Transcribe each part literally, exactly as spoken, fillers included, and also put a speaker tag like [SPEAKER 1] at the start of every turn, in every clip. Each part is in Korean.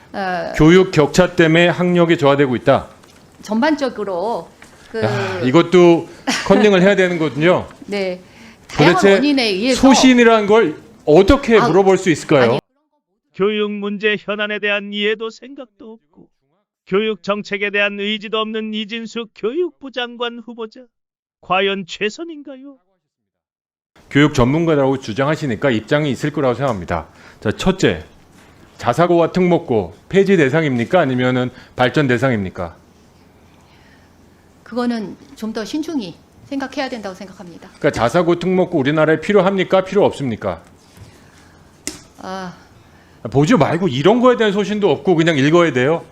[SPEAKER 1] 어,
[SPEAKER 2] 교육 격차 때문에 학력이 저하되고 있다.
[SPEAKER 1] 전반적으로 그
[SPEAKER 2] 야, 이것도 컨닝을 해야 되는 거군요.
[SPEAKER 1] 네, 다양한
[SPEAKER 2] 도대체
[SPEAKER 1] 원인에 의해서
[SPEAKER 2] 소신이라는 걸 어떻게
[SPEAKER 1] 아,
[SPEAKER 2] 물어볼 수 있을까요?
[SPEAKER 1] 아니,
[SPEAKER 3] 교육 문제 현안에 대한 이해도 생각도 없고 교육 정책에 대한 의지도 없는 이진수 교육부 장관 후보자. 과연 최선인가요?
[SPEAKER 2] 교육 전문가라고 주장하시니까 입장이 있을 거라고 생각합니다. 자, 첫째, 자사고와 특목고 폐지 대상입니까? 아니면은 발전 대상입니까?
[SPEAKER 1] 그거는 좀 더 신중히 생각해야 된다고 생각합니다.
[SPEAKER 2] 그러니까 자사고 특목고 우리나라에 필요합니까? 필요 없습니까?
[SPEAKER 1] 아,
[SPEAKER 2] 보지 말고 이런 거에 대한 소신도 없고 그냥 읽어야 돼요?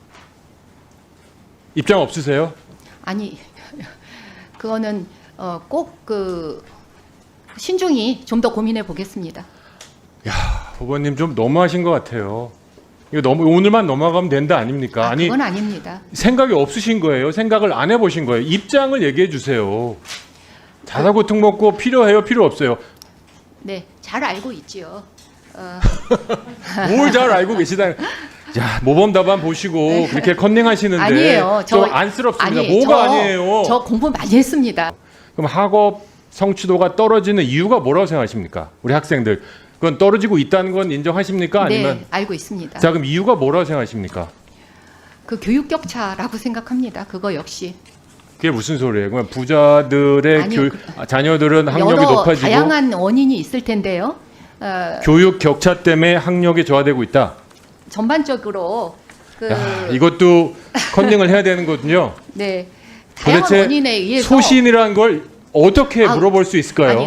[SPEAKER 2] 입장 없으세요?
[SPEAKER 1] 아니 그거는 어, 꼭 그 신중히 좀 더 고민해 보겠습니다.
[SPEAKER 2] 후보님 좀 너무하신 것 같아요. 이거 너무 오늘만 넘어가면 된다 아닙니까?
[SPEAKER 1] 아,
[SPEAKER 2] 아니
[SPEAKER 1] 그건 아닙니다.
[SPEAKER 2] 생각이 없으신 거예요. 생각을 안 해보신 거예요. 입장을 얘기해 주세요. 자사고 특목고 필요해요? 필요 없어요?
[SPEAKER 1] 네, 잘 알고 있지요. 어,
[SPEAKER 2] 뭘 잘 알고 계시다. 야, 모범 답안 보시고 그렇게 컨닝하시는데
[SPEAKER 1] 아니에요.
[SPEAKER 2] 좀
[SPEAKER 1] 저-
[SPEAKER 2] 안쓰럽습니다.
[SPEAKER 1] 아니,
[SPEAKER 2] 뭐가
[SPEAKER 1] 저-
[SPEAKER 2] 아니에요?
[SPEAKER 1] 저 공부 많이 했습니다.
[SPEAKER 2] 그럼 학업 성취도가 떨어지는 이유가 뭐라고 생각하십니까? 우리 학생들 그건 떨어지고 있다는 건 인정하십니까? 아니면
[SPEAKER 1] 네, 알고 있습니다.
[SPEAKER 2] 자 그럼 이유가 뭐라고 생각하십니까?
[SPEAKER 1] 그 교육 격차라고 생각합니다. 그거 역시
[SPEAKER 2] 그게 무슨 소리예요? 그러면 부자들의
[SPEAKER 1] 아니요,
[SPEAKER 2] 교,
[SPEAKER 1] 그-
[SPEAKER 2] 아, 자녀들은 학력이
[SPEAKER 1] 여러
[SPEAKER 2] 높아지고
[SPEAKER 1] 다양한 원인이 있을 텐데요. 어,
[SPEAKER 2] 교육 격차 때문에 학력이 저하되고 있다.
[SPEAKER 1] 전반적으로 그
[SPEAKER 2] 야, 이것도 컨닝을 해야 되는 거군요.
[SPEAKER 1] 네, 다양한
[SPEAKER 2] 도대체
[SPEAKER 1] 원인에 의해서
[SPEAKER 2] 소신이라는 걸 어떻게
[SPEAKER 1] 아,
[SPEAKER 2] 물어볼 수 있을까요?
[SPEAKER 1] 아니,